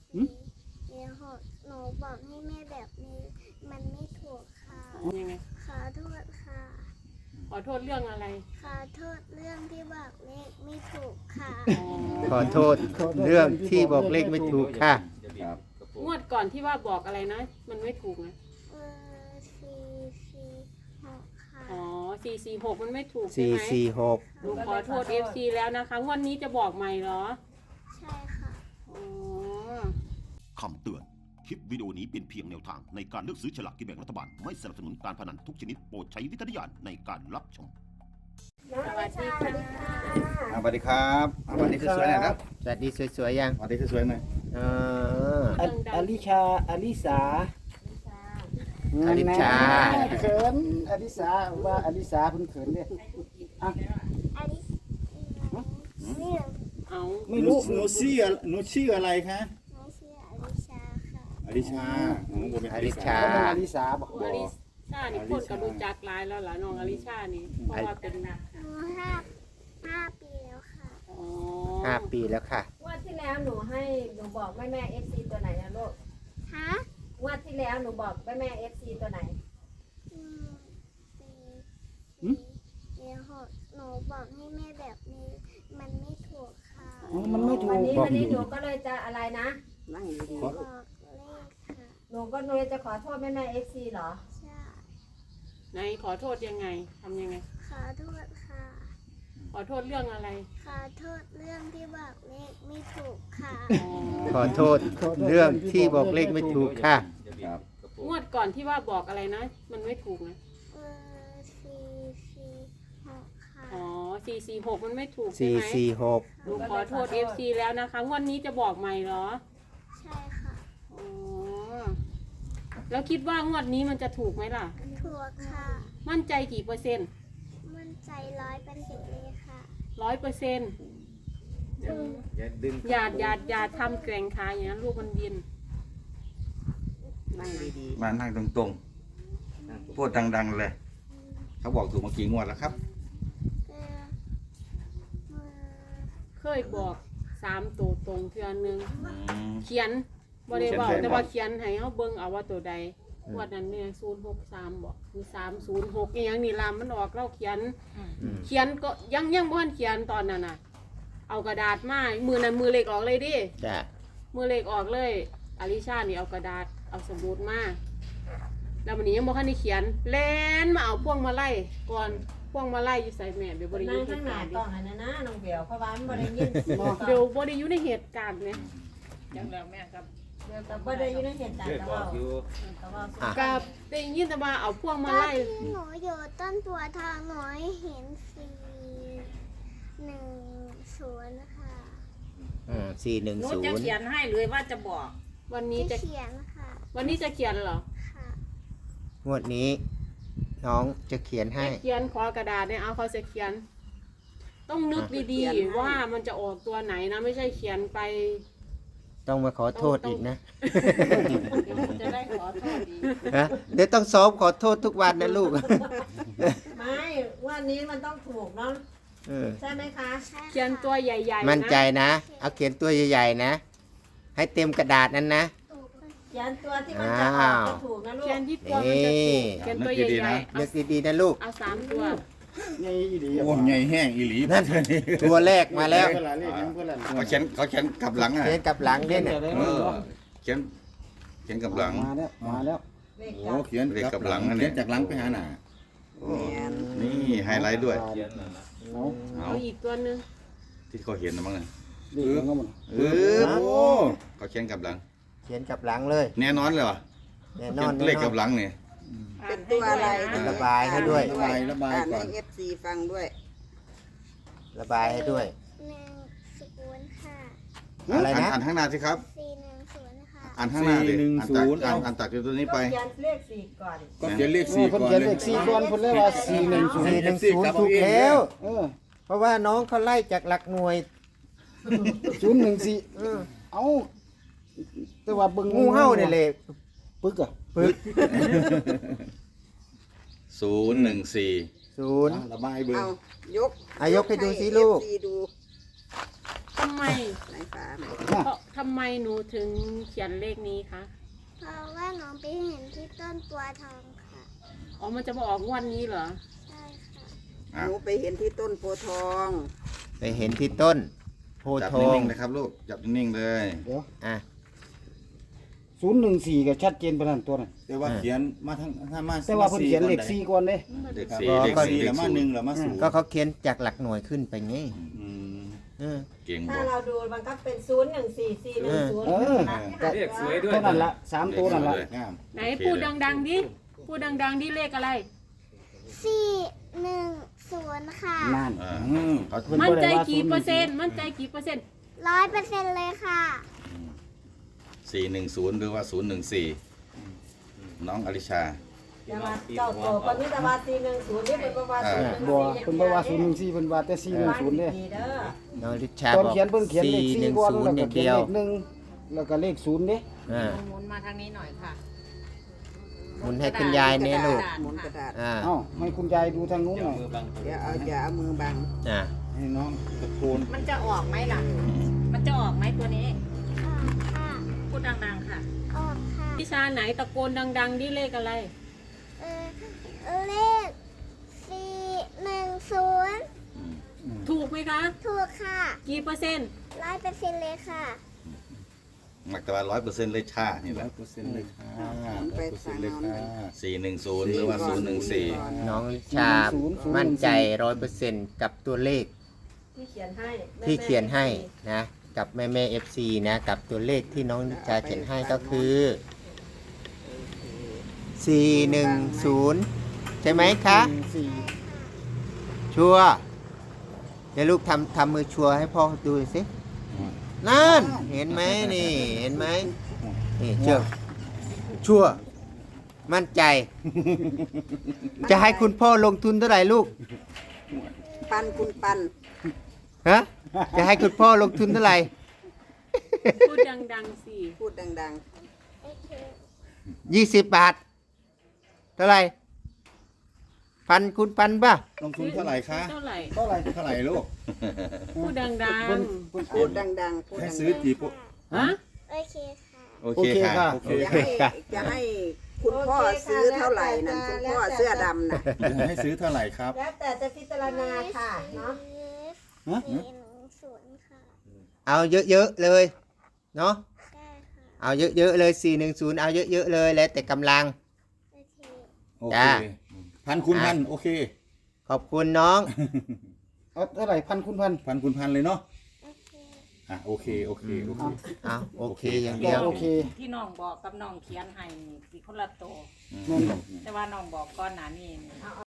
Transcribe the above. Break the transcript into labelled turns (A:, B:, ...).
A: หนูบอกให้แม่แบบนี้มันไม่ถูกค่ะ
B: ยังไง
A: ขอโทษค่ะ
B: ขอโทษเรื่องอะไร
A: ขอโทษเรื่องที่บอกเลขไม่ถูกค่ะ
C: ขอโทษเรื่องที่บอกเลขไม่ถูกค่ะ
D: ครับ
B: งวดก่อนที่ว่าบอกอะไรนะ มันไม่ถูกนะ
A: 446ค่ะ
B: อ๋อ446มันไม่ถูกใช่
C: สี่
B: ไหม
C: สี่หก
B: หนูขอโทษ FC แล้วนะคะงวดนี้จะบอกใหม่เหรอ
A: ใช่ค่ะ
B: อ๋อ
E: คำเตือน คลิปวิดีโอนี้เป็นเพียงแนวทางในการเลือกซื้อฉลากกินแบ่งรัฐบาล ไม่สนับสนุนการพนันทุกชนิดโปรดใช้วิจารณญาณในการรับชม
B: สวัสดีค่ะ
D: สวัสดีครับวันนี้สวยๆหน่อยครับ
C: สวัสดีสวยๆยัง
D: วันนี้สวยๆหน่อย
C: เออ
F: อลิชาอลิสา
C: อลิชา
F: เขินอลิสาว่าอลิสาเพิ่นเขินเนี่ย
A: อันนี้นี่
B: เอา
F: ไม่รู้
D: หนูชื่ออะไรคะ
A: น้องชื่ออลิชาค่ะ
D: อลิชาหนูเป็น
C: อลิชา
F: ก็เป็นอลิสาบอก
B: อลิชานี่คนก็รู้จักหลายแล้วล่ะน้องอลิชานี่เพราะว่าเป็น
A: หนู5 ปีแล้วค่ะ
B: อ๋อ
C: 5 ปีแล้วค่ะ
G: งวดที่แล้วหนูบอกแม่FC ตัวไหนนะลูก
A: ฮะ
G: งวดที่แล้วหนูบอกแม่ FC ตัวไหน
A: หนูบอกให้แม่แบบนี้มันไม่ถูกค่ะ
F: มันไม่ถู
G: วัน
F: ก
G: นี้
C: บอก
G: วันนี้หนูก็เลยจะอะไรนะ
A: บอกเลขค่ะ
G: หนูก็เลยจะขอโทษแม่ FC เหรอ
A: ใช่
B: ไหนขอโทษยังไงทำยังไง
A: ขอโทษค่ะ
B: ขอโทษเรื่องอะไร
A: ขอโทษเรื่องที่บอกเลขไม่ถูกค่ะ
B: อ๋อ
C: ขอโทษเรื่องที่บอกเลขไม่ถูกค่ะ
D: ครับ
B: งวดก่อนที่ว่าบอกอะไรนะ มันไม่ถูกนะ
A: 446ค่ะ
B: อ๋อ446มันไม่ถูกใช่ไหม
C: 446
B: หนูขอโทษ FC แล้วนะคะงวดนี้จะบอกใหม่เหรอ
A: ใช่ค่ะ
B: อ๋อ แล้วคิดว่างวดนี้มันจะถูกไหมล่ะ
A: ถูกค่ะ
B: มั่นใจกี่เปอร์เซ็นต์
A: มั่นใจ100%เลยค่ะ
B: 100%อย่าทำแกร่งขาอย่างนั้นลูกมันบิน
D: มานั่งตรงๆพูดดังๆเลย เขาบอกถูกมากี่งวดแล้วครับ
A: เอ่อเอ่อ
B: เคยบอก3ตัวตรงเทื่อนึง
D: อืม
B: เขียนบ่ได้บอก
D: เขียนใส่
B: แต่ว่าเขียนให้เฮาเบิ่งเอาว่าตัวใดงวดนั้นเนี่ย063บอกคือ306อีหยังนี่ล่ะมันออกเราเขียน เขียนก็ยังบ่ทันเขียนตอนนั้นน่ะ เอากระดาษมามือนั้นมือเล็กออกเลยดิ
C: จ้ะ
B: มือเล็กออกเลยอลิชานี่เอากระดาษเอาสมุดมาแล้ววันนี้ยังบ่ทันได้เขียนแล่นมาเอาพวงมาลัยก่อนพวงมาลัยอยู่ใส่แม่เดี๋ยวบ่ได้อ
G: นั่
B: ยู่
G: ง
B: ในเห
G: ข้าง
B: ตุ
G: หน้า
B: การณ์
G: กล้องอันนั้นนะน้องเบลเพราะว่ามันบ่ได้ยินเสียง
B: เดี๋ยวบ่ได้อยู่ในเหตุการณ์เนี่ย
G: เดี๋ยวแต่บ่ได้อยู่ในเหตุการณ์แต่ว่าแต่ว่า
B: กับได้ยินแต่ว่าเอาพวงมา
A: ตอน
B: ลัย
A: ที่หนูอยู่ต้นตัวทางหนูเห็น410ค่ะ
H: หนูจะเขียน
C: 410
H: ให้เลยว่าจะบอก
B: วันนี้
A: ที่
B: จะ
A: เขียนค่ะ
B: วันนี้จะเขียนเหรอ
A: ค่ะ
C: งวดนี้ น้องจะเขียนให้
B: เขียนขอกระดาษเนี่ยเอาเขาจะเขียน ต้องนึกดีๆว่ามันจะออกตัวไหนนะไม่ใช่เขียนไป
C: ต้องมาขอโทษอีกนะ
H: เดี๋ยวจะได้ขอโทษดี
C: ฮะเดี๋ยวต้องซ้อมขอโทษทุกวันนะลูก
G: ไม่วันนี้มันต้องถูกเนาะ
C: เออ
G: ใช่ไหมคะ
A: ใช่ค่ะ
B: เขียนตัวใหญ่ๆ
C: มั่นใจ
B: นะ
C: นะ เอาเขียนตัวใหญ่ๆนะ ให้เต็มกระดาษนั้นนะ
A: ถูกค่ะ
G: เขียนตัวที่มันจะออกจะถูกนะลู
B: เขีย
G: ก
B: นที่ตัวมันจะถูกเขียนตัวใหญ่ๆ
C: เลือกดีๆนะลูก
B: เอา3 ตัว
F: ไงอีดี
D: โอ้ใหญ่แห้งอีหลี
C: นั่น ตัวแรกมาแล้ว
F: เพื่อนหลานเรียกยังเพื่อนหลาน
D: เขาเขียนกลับหลังอ่ะ
C: เขียนกับหลังเนี่ยเนี่ย
D: เออเขียนกลับหลัง
F: มาแล้ว
G: เลข
D: โอ้
G: เก้า
D: เขียนกลับหลังอันนี้จากหลังไปหาหน้านี่ไฮไลท์ด้วย
F: เอา
B: เอาอีกตัวหนึง
D: ที่เขาเห็นนะมั้งนะ
F: เรียกยังก็มัน
D: โอ้เขาเขียนกลับหลัง
C: เขียนกับหลังเลย
D: แน่นอนเลยเหรอ
C: แน่น
D: เขี
C: อย น
D: นเลขกลับหลังเนี่ย
H: เป็นตัวอะไร
C: ระบายให้ด้วย
D: ระบาย
H: อ่าน
D: ก่อ
H: ให้
D: น
H: FC ฟังด้วย
C: ระบายให้ด้วย
A: 110ค่ะ
C: อะไรนะ
D: อ่านข้างหน้าสิครับ
A: 410ค่ะ
D: อ่านข้างหน้าดิ
F: 410
D: อ่านจากตัวนี้ไป
G: เขียนเลขสี่ก่อน
D: ก็เขียนเลข
F: เอ
D: สี่
F: อเพิ่น
D: ก่อน
F: เขียน
D: เล
F: เลย ข4ก่อนเพิ่นเลยว่า410
C: 410ถูกแล้ว
F: เออ
C: เพราะว่าน้องเขาไล่จากหลักหน่วย
F: 014เอ้าแต่ว่าเบิ่ง
C: งูเห่าเนี่ยเลย
F: ปึกอ่ะ
C: ปึ๊ก
D: 014
C: ศูนย์
D: ระบายเบิ่ง
H: เอายก
C: ยกให้ดูสิลูก
H: ให้ FC ดู
B: ทำไม
H: ไหนฟ้าไหน
B: เพราะททำไมหนูถึงเขียนเลขนี้คะ
A: เพราะว่าน้องไปเห็นที่ต้นตัวทองค่ะ
B: อ๋อมันจะมาออกงวดนี้เหรอ
A: ใช่ค่ะ
H: หนูไปเห็นที่ต้นโพธิ์ทอง
C: ไปเห็นที่ต้นโพ
D: จับ
C: ธิ์ทอง
D: นิ่งๆเลยครับลูกจับนิ่งๆเลย
F: เดี๋ยว
C: อ่ะ
F: 014ก็ชัดเจนปานนั้นตัวนั้น
I: แต่ว่าเขียนมาทั้งถ้ามา
F: แต่ว่าเพิ่นเขียนเลข4ก่อนเด้
D: เด็ก
I: ครับ
D: สี่
C: อ๋อ
D: เด็ก
C: ก็
D: สี่
I: 4
D: เด็
I: แล้ว
D: ก
I: มา
D: ศูนย์
I: 1แล้วมา0
C: ก็เขาเขียนจากหลักหน่วยขึ้นไปไง
I: อืม
C: เออ
D: เก่ง
G: ถ้า
D: บ่
G: เราดูมันก็เป็น014
F: เออ
G: 410
F: ก็
J: เลขสวยด้วย
F: เท่านั้นละ3ตัวนั่นละ
I: งาม
B: ไหนพูดดังๆดิพูดดังๆดิเลขอะไร
A: 410 ค่ะ
F: นั่น
D: อ่า
F: อืม
D: เขา
F: เพิ่น
B: มั่น
F: บ่
B: ใจ
F: ได้ว่า
B: กี่เปอร์เซ็นต์
F: 014
B: มั่นใจกี่เปอร์เซ็นต์
A: 100%เลยค่ะ
D: 410หรือว่า014น้องอลิชา
G: แต่ว่าเจ้าโตคนนี้แต่ว่า410นี่เป็นประวัติ
F: บ่เพิ่นบ่ว่า014เพิ่นว่าแต่410เด้
G: ดีเด้อ
C: น้องลิชา
F: ตอน
C: บอก
F: เขียนเพิ่นเขียนเลข4ก่อนแล้ว
C: 410
F: ก็
C: อย่าง
F: เขียน
C: เดียว
F: เลข1แล้วก็เลข0เด้
C: อ่า
G: หมุนมาทางนี้หน่อยค่ะ
C: หมุนให้คุณยายเนี่ยลูก
H: หมุนกระดาษ
C: อ่า
F: เอ้าให้คุณยายดูทางนู้นหน่อย
H: อย่าเอามือบัง
C: อ่า
I: ให้น้องตะโกน
G: มันจะออกไหมล่ะ มันจะออกไหมตัวนี้
A: ออกค่ะ
G: พูดดังๆค่ะ
A: ออกค่ะ
B: วิชาไหนตะโกนดังๆดิเลขอะไร
A: เลข 410
B: ถูกไหมคะ
A: ถูกค่ะ
B: กี่เปอร์เซ็นต์
A: 100%เลยค่ะ
D: หมักแต่ว่า100%เลยชานี่แหละ
I: 100%เลยค่ะ
H: ไป
I: 100%เลยค่ะ
D: 410หรือว่า014
C: น้องลิชามั่นใจ 100%กับตัวเลข
G: ที่เขียนให้
C: ที่เขียนให้นะ กับแม่แม่ FC นะ กับตัวเลขที่น้องลิชาเขียนให้ก็คือ 410 ใช่ไหมคะ
F: 4
C: ชัวร์เดี๋ยวลูกทำมือชัวร์ให้พ่อดูหน่อยสินั่นเห็นไหมนี่ เห็นไหมนี่เชื่อชัวร์มั่นใจ จะให้คุณพ่อลงทุนเท่าไหร่ลูก
H: ปันคุณปัน
C: ฮะจะให้คุณพ่อลงทุนเท่าไหร่
B: พูดดังๆสิ
H: พูดดัง
A: โอเค
C: 20 บาท เท่าไหร่พันคุณพันป่ะ
I: ลงทุนเท่าไหร่คะ
B: เท่าไหร่
F: เท่าไหร่
I: เท่าไหร่ลูก
B: พูดดัง
H: ๆ พูดดังๆ พูด
I: ให้
H: ดัง
I: ซื้อกี่ปุ๊
B: ๆ ฮะ
A: โอเคค่ะ
D: โอเคค่ะ
I: โอเค
H: ๆจะให้คุณพ่อซื้อเท่าไหร่นั่นคุณพ่อเสื้อดำน่ะ
I: ให้ซื้อเท่าไหร่ครับ
G: แล้วแต่จะพิจารณาค่ะเนาะ
F: ฮะ
A: 410 ค่ะ
C: เอาเยอะๆเลยเนาะ
A: ได้ค่ะ
C: เอาเยอะๆเลย410เอาเยอะๆเลยแล้วแต่กำลัง
A: โอเค
I: โอเค
C: จ้า
I: พันคูณพันโอเค
C: ขอบคุณน้อง
F: เอาเท่าไหร่พันคูณพัน
I: พันคูณพันเลยเนาะ
A: โอเค
I: อ่ะโอเคโอเคโอเค
C: เอาโอเคอย่าง
F: ก็
C: เดียว
F: โอเค
G: ที่น้องบอกกับน้องเขียนให้สิคนละโตว
F: นั่น
G: แต่ว่าน้องบอกก่อนหน้านี้